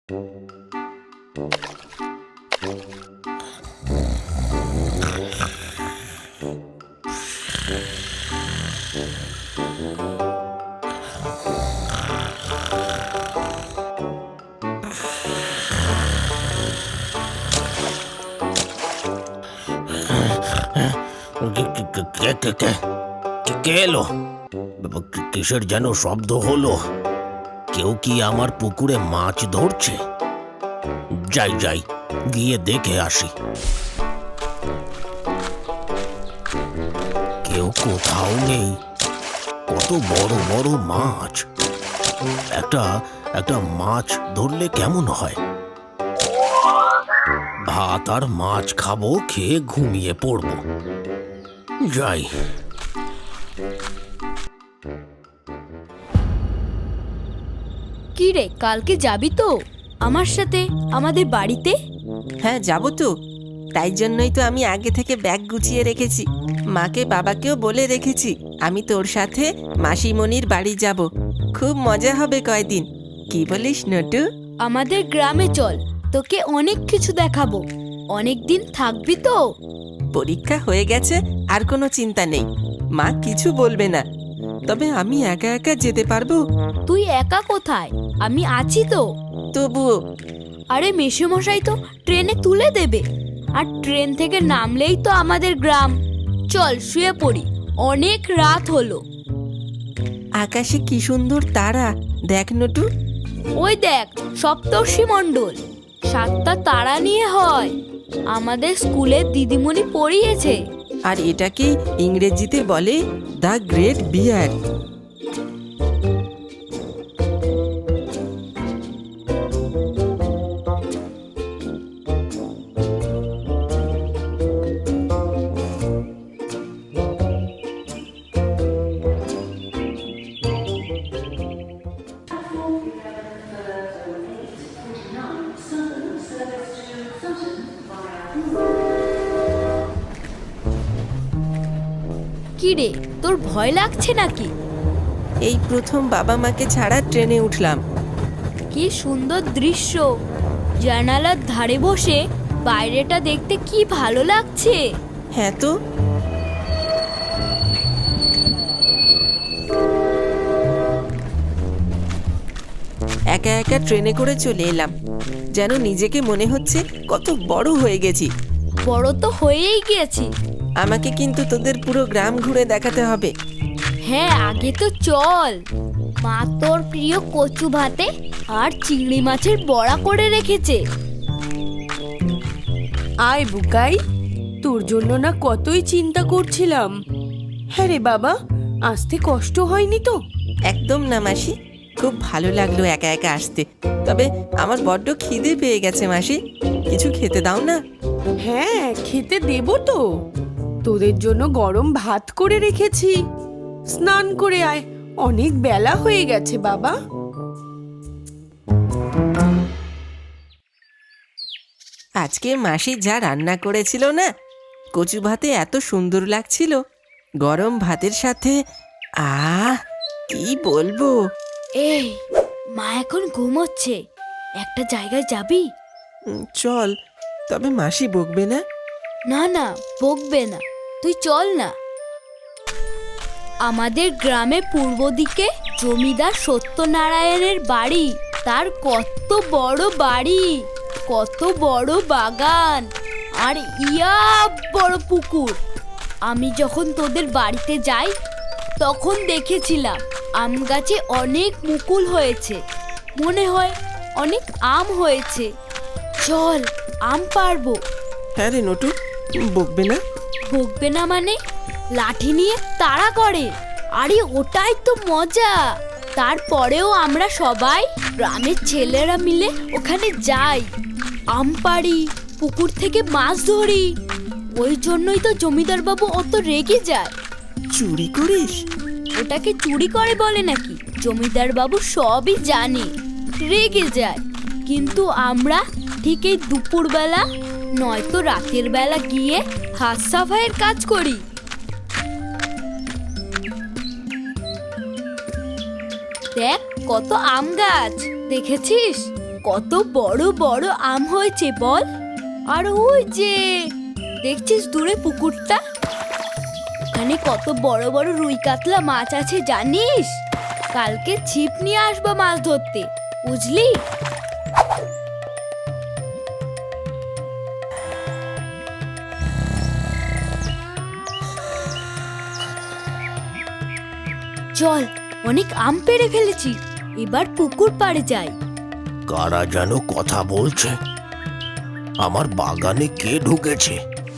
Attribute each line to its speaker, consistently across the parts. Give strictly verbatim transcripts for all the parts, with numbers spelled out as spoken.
Speaker 1: কে এলো? কিসের যেন শব্দ হলো? কেউ কি আমার পুকুরে মাছ ধরছে? যাই যাই গিয়ে দেখে আসি। কেউ কোথাও নেই। কত বড় বড় মাছ! একটা একটা মাছ ধরলে কেমন হয়? ভাত আর মাছ খাবো, খেয়ে ঘুমিয়ে পড়বো। যাই।
Speaker 2: কি রে, কালকে যাবি তো আমার সাথে আমাদের বাড়িতে?
Speaker 3: হ্যাঁ, যাবো তো। তাই জন্যই তো আমি আগে থেকে ব্যাগ গুছিয়ে রেখেছি। মাকে বাবাকেও বলে রেখেছি আমি তোর সাথে মাসিমণির বাড়ি যাব। খুব মজা হবে কয়দিন। কি বলিস নটু?
Speaker 2: আমাদের গ্রামে চল, তোকে অনেক কিছু দেখাবো। অনেক দিন থাকবি তো?
Speaker 3: পরীক্ষা হয়ে গেছে, আর কোনো চিন্তা নেই। মা কিছু বলবে না। তবে আমি একা একা যেতে পারবো?
Speaker 2: তুই একা কোথায়? আমি আছি তো।
Speaker 3: তবুও।
Speaker 2: আরে মেসোমশাই তো ট্রেনে তুলে দেবে, আর ট্রেন থেকে নামলেই তো আমাদের গ্রাম। চল শুয়ে পড়ি, অনেক রাত হলো।
Speaker 3: আকাশে কি সুন্দর তারা দেখ নটু।
Speaker 2: ওই দেখ, সপ্তর্ষি মণ্ডল। সাতটা তারা নিয়ে হয়, আমাদের স্কুলে দিদিমণি পড়িয়েছে।
Speaker 3: আর এটাকে ইংরেজিতে বলে দ্য গ্রেট বিয়ার।
Speaker 2: কি রে, তোর ভয় লাগছে নাকি?
Speaker 3: এই প্রথম বাবা মাকে ছাড়া ট্রেনে উঠলাম।
Speaker 2: কি সুন্দর দৃশ্য! জানালার ধারে বসে বাইরেটা দেখতে কি ভালো লাগছে।
Speaker 3: হ্যাঁ তো। একা একা ট্রেনে করে চলে এলাম, যেন নিজেকে মনে হচ্ছে কত বড় হয়ে গেছি।
Speaker 2: বড় তো হয়েই গিয়েছি।
Speaker 3: আমাকে কিন্তু তোদের পুরো গ্রাম ঘুরে দেখাতে হবে।
Speaker 2: হ্যাঁ, আগে তো চল। মা তোর প্রিয় কচু ভাতে আর চিংড়ি মাছের বড়া করে রেখেছে।
Speaker 4: আয় বুকাই, তোর জন্য না কতই চিন্তা করছিলাম। হ্যাঁ রে বাবা, আসতে কষ্ট হয়নি তো?
Speaker 3: একদম না মাসি, খুব ভালো লাগলো একা একা আসতে। তবে আমার বড্ড খিদে পেয়ে গেছে মাসি, কিছু খেতে দাও না।
Speaker 4: হ্যাঁ, খেতে দেবো তো। তোদের জন্য গরম ভাত করে রেখেছি। স্নান করে আয়, অনেক বেলা হয়ে গেছে বাবা।
Speaker 3: আজকে মাসি যা রান্না করেছিল না, কচু ভাতে এত সুন্দর লাগছিল। গরম ভাতের সাথে আহ কি বলবো।
Speaker 2: এই, মা এখন ঘুমোচ্ছে, একটা জায়গায় যাবি?
Speaker 3: উম, চল। তবে মাসি বকবে না?
Speaker 2: না না, বকবে না, তুই চল না। আমাদের গ্রামে পূর্ব দিকে জমিদার সত্যনারায়ণের বাড়ি। তার কত বড় বাড়ি, কত বড় বাগান, আর ইয়া বড় পুকুর। আমি যখন তোদের বাড়িতে যাই তখন দেখেছিলাম আম গাছে অনেক মুকুল হয়েছে। মনে হয় অনেক আম হয়েছে। চল, আম পারবো।
Speaker 3: হ্যাঁ রে নটু, বকবে না?
Speaker 2: বকবে না মানে? লাঠি নিয়ে তাড়া করে, আরে ওটাই তো মজা। তারপরেও আমরা সবাই গ্রামের ছেলেরা মিলে ওখানে যাই, আম পাড়ি, পুকুর থেকে মাছ ধরি। ওই জন্যই তো জমিদার বাবু অত রেগে যায়।
Speaker 3: চুরি করিস?
Speaker 2: ওটাকে চুরি করে বলে নাকি? জমিদার বাবু সবই জানে, রেগে যায়। কিন্তু আমরা ঠিক এই দুপুরবেলা নয়তো রাতের বেলা গিয়ে হাত সাফাইয়ের কাজ করি। দেখ কত আম গাছ, দেখেছিস কত বড় বড় আম হয়েছে বল। আর ওই যে দেখছিস দূরে পুকুরটা, ওখানে কত বড় বড় রুই কাতলা মাছ আছে জানিস। কালকে ছিপ নিয়ে আসবো মাছ ধরতে, বুঝলি। চল, অনেক আম পেড়ে ফেলেছি, এবার পুকুর পাড়ে যাই।
Speaker 1: কারা যেন কথা বলছে, আমার বাগানে কে ঢুকেছে?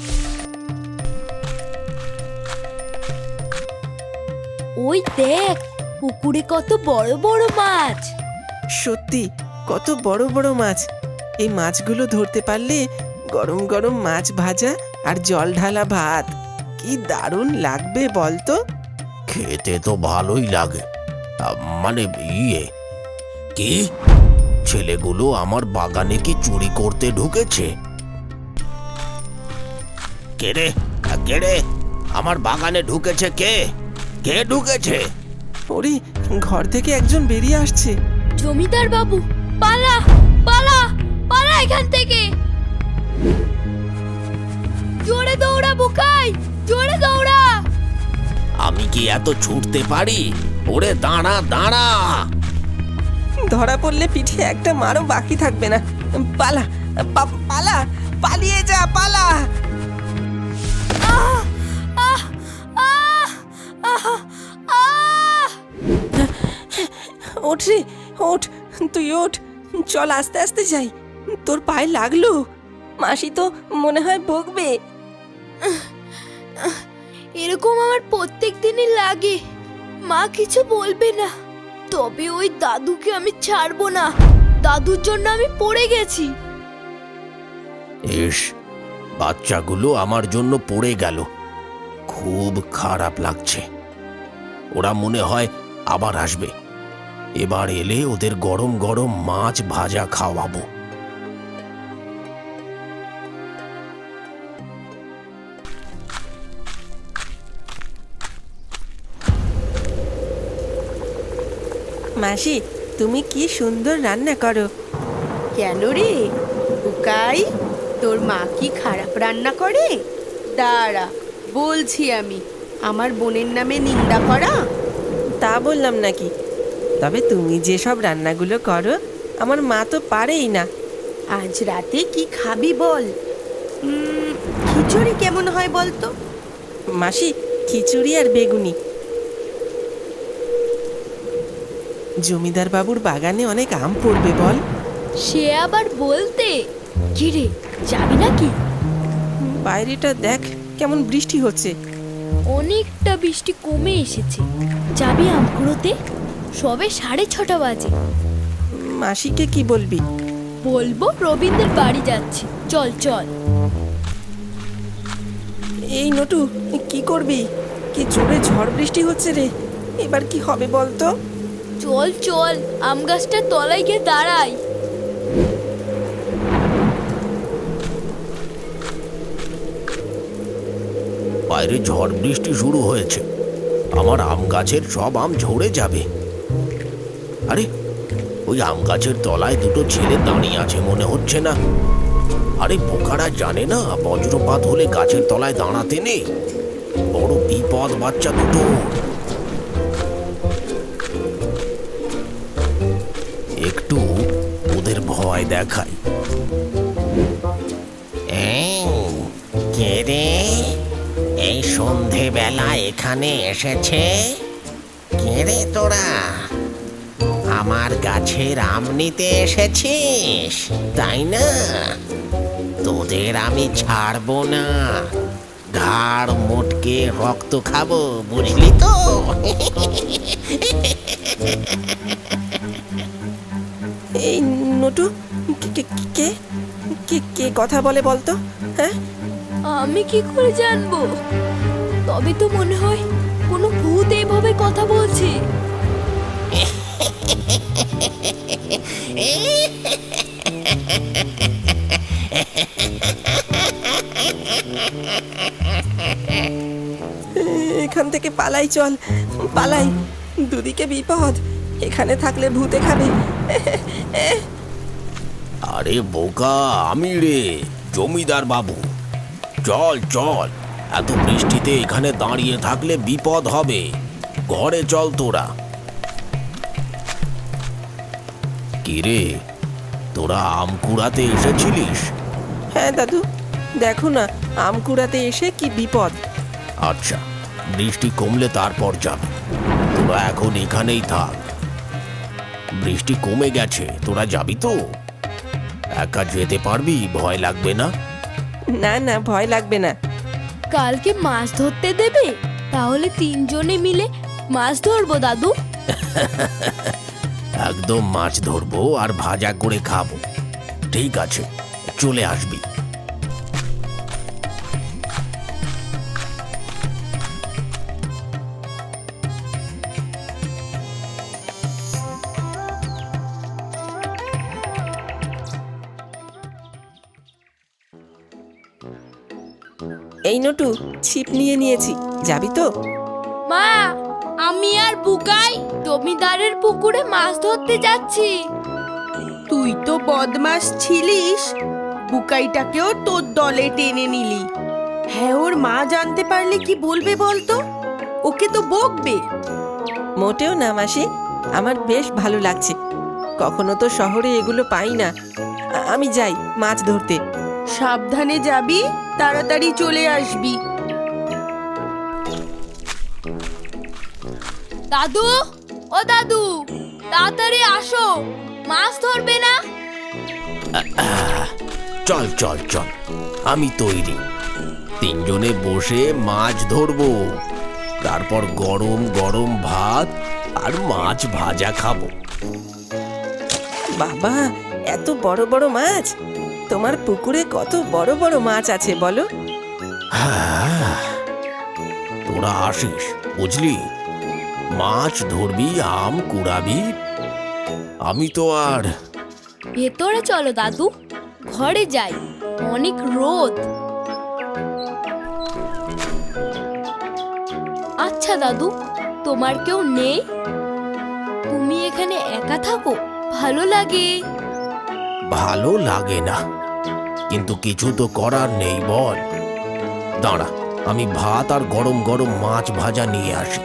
Speaker 2: ওই দেখ, পুকুরে কত বড় বড় মাছ।
Speaker 3: সত্যি কত বড় বড় মাছ। এই মাছগুলো ধরতে পারলে গরম গরম মাছ ভাজা আর জল ঢালা ভাত কি দারুণ লাগবে বলতো।
Speaker 1: খেতে তো ভালোই লাগে, আহ, মানে ইয়ে কি ছেলেগুলো আমার বাগানে কি চুরি করতে ঢুকেছে? কে রে কে রে আমার বাগানে ঢুকেছে? কে কে ঢুকেছে?
Speaker 3: ওরে, ঘর থেকে একজন বেরিয়ে আসছে।
Speaker 2: জমিদার বাবু, পালা পালা পালা এখান থেকে। জোরে দৌড়া বুকাই, জোরে দৌড়া।
Speaker 1: আমি কি এত ছুটতে পারি? ওরে দাঁড়া দাঁড়া।
Speaker 3: ধরা পড়লে পিঠে একটা মারও বাকি থাকবে না। পালা পা- পালা পালিয়ে যা, পালা।
Speaker 2: আহ আহ আহ আহ আহ
Speaker 3: ওঠ রে, ওঠ, তুই ওঠ। চল আস্তে আস্তে যাই, তোর পায়ে লাগলো। মাসি তো মনে হয় বকবে।
Speaker 2: এরকম আমার প্রত্যেক দিনই লাগে, মা কিছু বলবে না, তবে ওই দাদুকে আমি ছাড়বো না। দাদুর জন্য আমি পড়ে গেছি।
Speaker 1: ইস, বাচ্চাগুলো আমার জন্য পড়ে গেল, খুব খারাপ লাগছে। ওরা মনে হয় আবার আসবে। এবার এলে ওদের গরম গরম মাছ ভাজা খাওয়াবো।
Speaker 3: মাসি, তুমি কি সুন্দর রান্না করো।
Speaker 4: কেন রে বুকাই, তোর মা কি খারাপ রান্না করে? দাঁড়া, বলছি আমি। আমার বোনের নামে নিন্দা করা?
Speaker 3: তা বললাম নাকি, তবে তুমি যে সব রান্নাগুলো করো আমার মা তো পারেই না।
Speaker 4: আজ রাতে কি খাবি বল? উম, খিচুড়ি কেমন হয় বলতো?
Speaker 3: মাসি, খিচুড়ি আর বেগুনি। জমিদার বাবুর বাগানে অনেক আম পড়বে বল।
Speaker 2: সে আবার বলতে। কি রে, যাবি নাকি?
Speaker 3: বাইরেটা দেখ কেমন বৃষ্টি হচ্ছে।
Speaker 2: অনেকটা বৃষ্টি কমে এসেছে, যাবি আম কুড়োতে? সবে সাড়ে ছটা বাজে।
Speaker 3: মাসিকে কি বলবি?
Speaker 2: বলবো রবীন্দ্রের বাড়ি যাচ্ছি, চল চল।
Speaker 3: এই নটু, কি করবি? কি জোরে ঝড় বৃষ্টি হচ্ছে রে, এবার কি হবে বলতো?
Speaker 2: চল চল, আম গাছটার তলায় গিয়ে দাঁড়াই।
Speaker 1: বাইরে ঝড় বৃষ্টি শুরু হয়েছে, আমার আম গাছের সব আম ঝরে যাবে। আরে, ওই আম গাছের তলায় দুটো ছেলে দাঁড়িয়ে আছে মনে হচ্ছে না? আরে বোকারা জানে না বজ্রপাত হলে গাছের তলায় দাঁড়াতে নেই, বড় বিপদ বাচ্চা দুটো। একটু ওদের ভয় দেখাই। কে রে এই সন্ধেবেলা এখানে এসেছে? কে রে তোরা? আমার গাছের আম নিতে এসেছিস তাই না? তোদের আমি ছাড়বো না, ঘাড় মোটকে রক্ত খাবো, বুঝলি তো?
Speaker 3: এই নটু, কে- কে- কে কে কে কথা বলে বলতো? হ্যাঁ,
Speaker 2: আমি কি করে জানবো? তবে তো মনে হয় কোনো ভূত এইভাবে কথা বলছে।
Speaker 3: এখান থেকে পালাই, চল পালাই, দুদিকে বিপদ, এখানে থাকলে ভূতে খাবে।
Speaker 1: আরে বোকা, আমি রে, জমিদার বাবু। চল চল, এত বৃষ্টিতে এখানে দাঁড়িয়ে থাকলে বিপদ হবে। ঘরে চল তোরা। কিরে, তোরা আম কুড়াতে এসেছিলিস?
Speaker 3: হ্যাঁ দাদু, দেখো না আম কুড়াতে এসে কি বিপদ।
Speaker 1: আচ্ছা, বৃষ্টি কমলে তারপর যাবে। তোরা এখন এখানেই থাক। বৃষ্টি কমে গেছে, তোরা যাবি তো? একা যেতে পারবি? ভয় লাগবে না?
Speaker 3: না না, ভয় লাগবে না।
Speaker 2: কালকে মাছ ধরতে দেবে? তাহলে তিনজনে মিলে মাছ ধরবো দাদু।
Speaker 1: একদম মাছ ধরবো আর ভাজা করে খাবো। ঠিক আছে, চলে আসবি।
Speaker 3: এই নটু, ছিপ নিয়ে নিয়েছি, যাবি তো?
Speaker 2: মা, আমি আর বুকাই জমিদারের পুকুরে মাছ ধরতে যাচ্ছি।
Speaker 4: তুই তো বদমাস ছিলিস, বুকাইটাকেও তোর দলে টেনে নিলি। হ্যাঁ, ওর মা জানতে পারলে কি বলবে বলতো? ওকে তো বকবে।
Speaker 3: মোটেও না মাসি, আমার বেশ ভালো লাগছে। কখনো তো শহরে এগুলো পাই না। আ- আমি যাই মাছ ধরতে।
Speaker 4: সাবধানে যাবি, তাড়াতাড়ি চলে আসবি।
Speaker 2: দাদু, ও দাদু, তাড়াতাড়ি আসো, মাছ ধরবে না?
Speaker 1: চল চল চল, আমি তৈরি। তিনজনে বসে মাছ ধরবো, তারপর গরম গরম ভাত আর মাছ ভাজা খাবো।
Speaker 3: বাবা, এত বড় বড় মাছ! তোমার পুকুরে কত বড় বড় মাছ আছে বলো?
Speaker 1: হ্যাঁ, তোরা আসিস, বুঝলি? মাছ ধরবি, আম কুড়াবি। আমি তো আর
Speaker 2: ভেতরে চলো দাদু, ঘরে যাই, অনেক রোদ। আচ্ছা দাদু, তোমার কেউ নেই? তুমি এখানে একা থাকো, ভালো লাগে?
Speaker 1: ভালো লাগে না, কিন্তু কিছু তো করার নেই বল। দাঁড়া, আমি ভাত আর গরম গরম মাছ ভাজা নিয়ে আসি।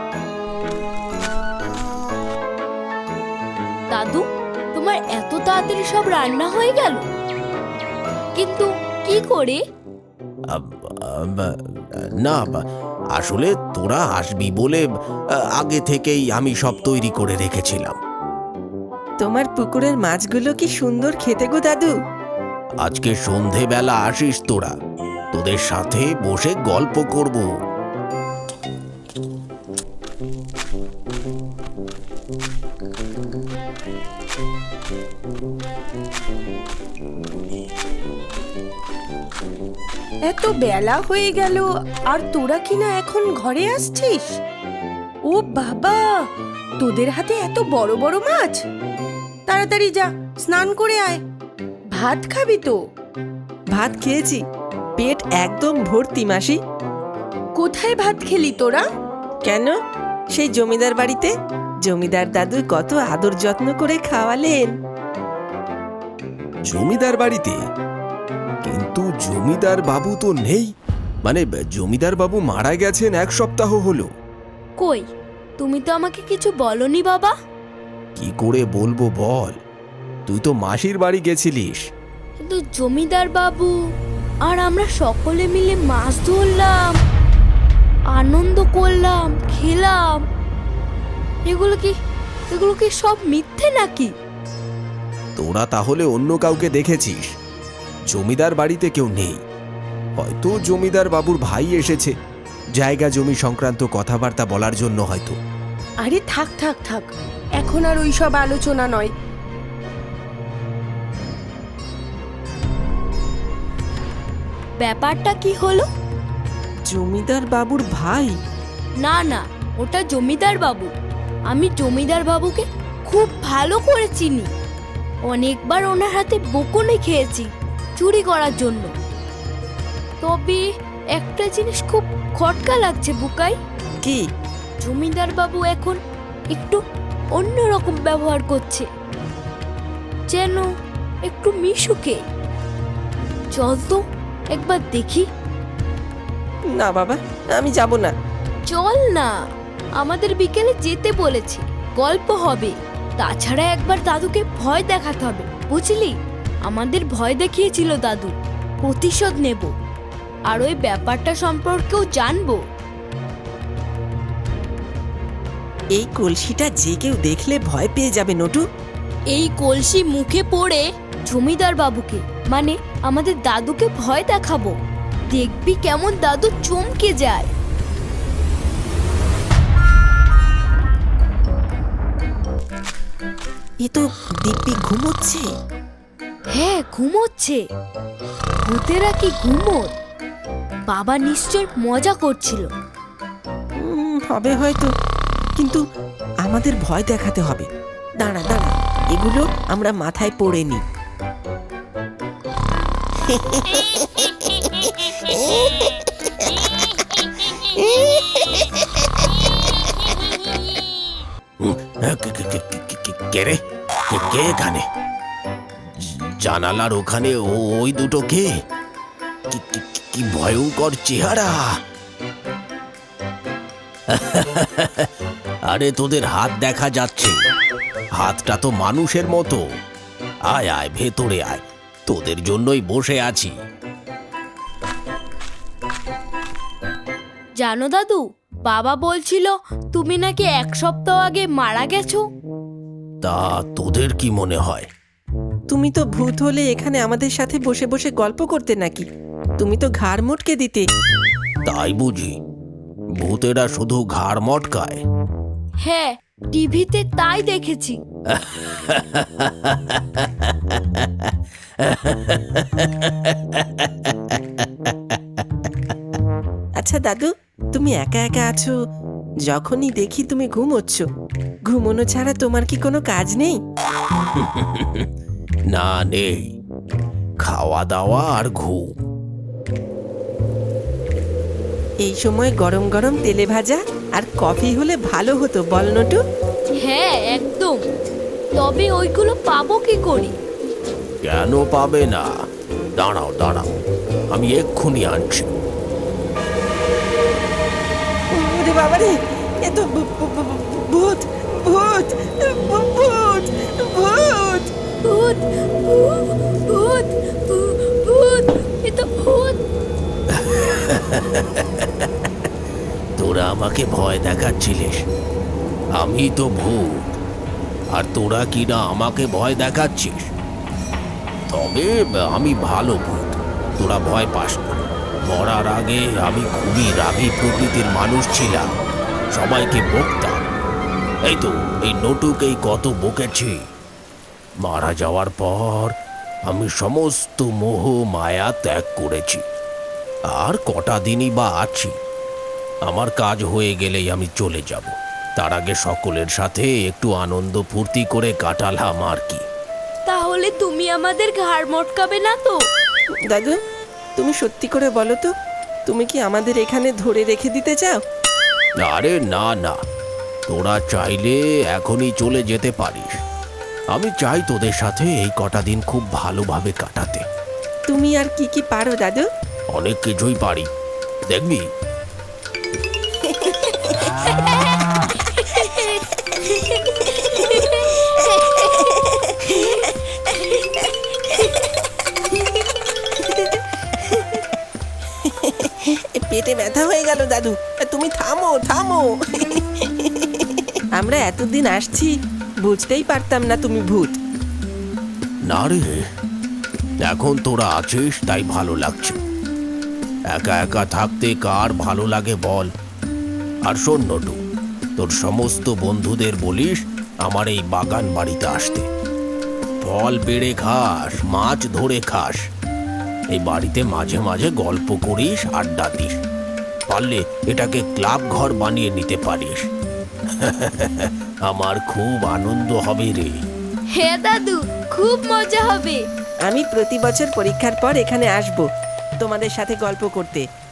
Speaker 2: দাদু, তোমার এত তাড়াতাড়ি সব রান্না হয়ে গেল? কিন্তু কি করে?
Speaker 1: আব- আব- না, বা- আসলে তোরা আসবি বলে আ, আগে থেকেই আমি সব তৈরি করে রেখেছিলাম।
Speaker 3: তোমার পুকুরের মাছগুলো কি সুন্দর খেতে গো দাদু।
Speaker 1: আজকে সন্ধেবেলা আসিস তোরা, তোদের সাথে বসে গল্প করব।
Speaker 4: এত বেলা হয়ে গেল আর তোরা কিনা এখন ঘরে আসছিস? ও বাবা, তোদের হাতে এত বড় বড় মাছ! তাড়াতাড়ি যা, স্নান করে আয়। ভাত খাবি তো?
Speaker 3: ভাত খেয়েছি, পেট একদম ভর্তি মাসি।
Speaker 4: কোথায় ভাত খেলি তোরা?
Speaker 3: কেন, সেই জমিদার বাড়িতে জমিদার দাদু কত আদর যত্ন করে খাওয়ালেন।
Speaker 1: জমিদার বাড়িতে? কিন্তু জমিদার বাবু তো নেই। মানে জমিদার বাবু মারা গেছেন এক সপ্তাহ হলো।
Speaker 2: কই, তুমি তো আমাকে কিছু বলনি বাবা।
Speaker 1: কি করে বলবো বল, তুই তো মাসির বাড়ি গেছিলিস।
Speaker 2: কিন্তু জমিদার বাবু আর আমরা সকলে মিলে মাছ ধরলাম, আনন্দ করলাম, খেলাম। এগুলো কি এগুলো কি সব মিথ্যে নাকি?
Speaker 1: তোরা তাহলে অন্য কাউকে দেখেছিস। জমিদার বাড়িতে কেউ নেই। হয়তো জমিদার বাবুর ভাই এসেছে, জায়গা জমি সংক্রান্ত কথাবার্তা বলার জন্য হয়তো।
Speaker 4: আরে থাক থাক থাক, এখন আর ওই সব আলোচনা নয়।
Speaker 2: ব্যাপারটা কি হলো?
Speaker 3: জমিদার বাবুর ভাই?
Speaker 2: না না, ওটা জমিদার বাবু। আমি জমিদার বাবুকে খুব ভালো করে চিনি। অনেকবার ওনার হাতে বকুনি খেয়েছি চুরি করার জন্য। তবে একটা জিনিস খুব খটকা লাগছে বুকাই।
Speaker 3: কি?
Speaker 2: জমিদার বাবু এখন একটু অন্যরকম ব্যবহার করছে, যেন একটু মিশুকে। চল তো একবার দেখি।
Speaker 3: না বাবা, আমি যাব না।
Speaker 2: চল না, আমাদের বিকেলে যেতে বলেছে, গল্প হবে। তাছাড়া একবার দাদুকে ভয় দেখাতে হবে, বুঝলি? আমাদের ভয় দেখিয়েছিল দাদু, প্রতিশোধ নেব, আর ওই ব্যাপারটা সম্পর্কেও জানবো।
Speaker 3: এই কলসিটা যে কেউ দেখলে ভয় পেয়ে যাবে নটু।
Speaker 2: এই কলসি মুখে পড়ে জমিদার বাবুকে, মানে আমাদের দাদুকে ভয় দেখাবো। দেখবি কেমন দাদু চমকে যায়।
Speaker 3: এ তো দিব্যি ঘুমোচ্ছে।
Speaker 2: হ্যাঁ, ঘুমোচ্ছে। ভূতেরা কি ঘুমোয়? বাবা নিশ্চয় মজা করছিল।
Speaker 3: উম, হবে হয়তো, কিন্তু আমাদের ভয় দেখাতে হবে। দাঁড়া দাঁড়া, এগুলো আমরা মাথায় পড়ে নি।
Speaker 1: হুম, হ্যাঁ, কে- কে- কে- কে- কে- কে- কে রে? কে- কে এখানে? জানালার ওখানে ও- ওই দুটো কে? কি- কি- কি- কি ভয়ঙ্কর চেহারা! আরে তোদের হাত দেখা যাচ্ছে, হাতটা তো মানুষের মতো। আয় আয়, ভেতরে আয়, তোদের জন্যই বসে আছি।
Speaker 2: জানো দাদু, বাবা বলছিল তুমি নাকি এক সপ্তাহ আগে মারা গেছো।
Speaker 1: তা তোদের কি মনে হয়?
Speaker 3: তুমি তো ভূত হলে এখানে আমাদের সাথে বসে বসে গল্প করতে নাকি? তুমি তো ঘাড় মোটকে দিতে।
Speaker 1: তাই বুঝি? ভূতেরা শুধু ঘাড় মটকায়?
Speaker 2: হ্যাঁ, টিভিতে তাই দেখেছি।
Speaker 3: আচ্ছা দাদু, তুমি একা একা আছো, যখনই দেখি তুমি ঘুমোচ্ছ। ঘুমোনো ছাড়া তোমার কি কোনো কাজ নেই?
Speaker 1: না, নেই। খাওয়া দাওয়া আর ঘুম।
Speaker 3: এই সময় গরম গরম তেলে ভাজা আর কফি হলে ভালো হতো, বল নটু?
Speaker 2: হ্যাঁ, একদম। তবে ওইগুলো পাবো কি করি?
Speaker 1: কেন পাবে না? দাঁড়াও দাঁড়াও, আমি এক্ষুনি আনছি।
Speaker 3: ওরে বাবারে, এ তো ভূ- ভূ- ভূ- ভূত ভূত ভূ- ভূত ভূত!
Speaker 2: ভূত, ভূত, ভূত, ভূত, এ তো ভূত।
Speaker 1: তোরা আমাকে ভয় দেখাচ্ছিলিস, আমি তো ভূত, আর তোরা কি না আমাকে ভয় দেখাচ্ছিস? তবে আমি ভালো ভূত, তোরা ভয় পাস না। মরার আগে আমি খুবই রাগী প্রকৃতির মানুষ ছিলাম, সবাইকে বকতাম। এই তো এই নটুকেই কত বকেছি। মারা যাওয়ার পর আমি সমস্ত মোহ মায়া ত্যাগ করেছি, আর কটা দিনই বা আছি। আমার কাজ হয়ে গেলেই আমি চলে যাব। তার আগে সকলের সাথে একটু আনন্দ ফুর্তি করে কাটালাম আর কি।
Speaker 2: তাহলে তুমি আমাদের ঘাড় মটকাবে না তো?
Speaker 3: দাদু, তুমি সত্যি করে বলো তো, তুমি কি আমাদের এখানে ধরে রেখে দিতে চাও?
Speaker 1: আরে না না, তোরা চাইলে এখনই চলে যেতে পারিস। আমি চাই তোদের সাথে এই কটা দিন খুব ভালোভাবে কাটাতে।
Speaker 3: তুমি আর কি কি পারো দাদু?
Speaker 1: অনেক কিছুই পারি, দেখবি।
Speaker 3: পেটে ব্যথা হয়ে গেল দাদু, তুমি থামো থামো। আমরা এতদিন আসছি, বুঝতেই পারতাম না তুমি ভূত।
Speaker 1: না রে, এখন তোরা আছিস তাই ভালো লাগছে। একা একা থাকতে কার ভালো লাগে বল? আর শোন নটু, তোর সমস্ত বন্ধুদের বলিস আমার এই বাগান বাড়িতে আসতে। ফল পেড়ে খাস, মাছ ধরে খাস, এই বাড়িতে মাঝে মাঝে গল্প করিস, আড্ডা দিস। পারলে এটাকে ক্লাব ঘর বানিয়ে নিতে পারিস। আমার খুব আনন্দ হবে রে।
Speaker 2: হ্যাঁ দাদু, খুব মজা হবে।
Speaker 3: আমি প্রতি বছর পরীক্ষার পর এখানে আসব তোমাদের সাথে গল্প করতে।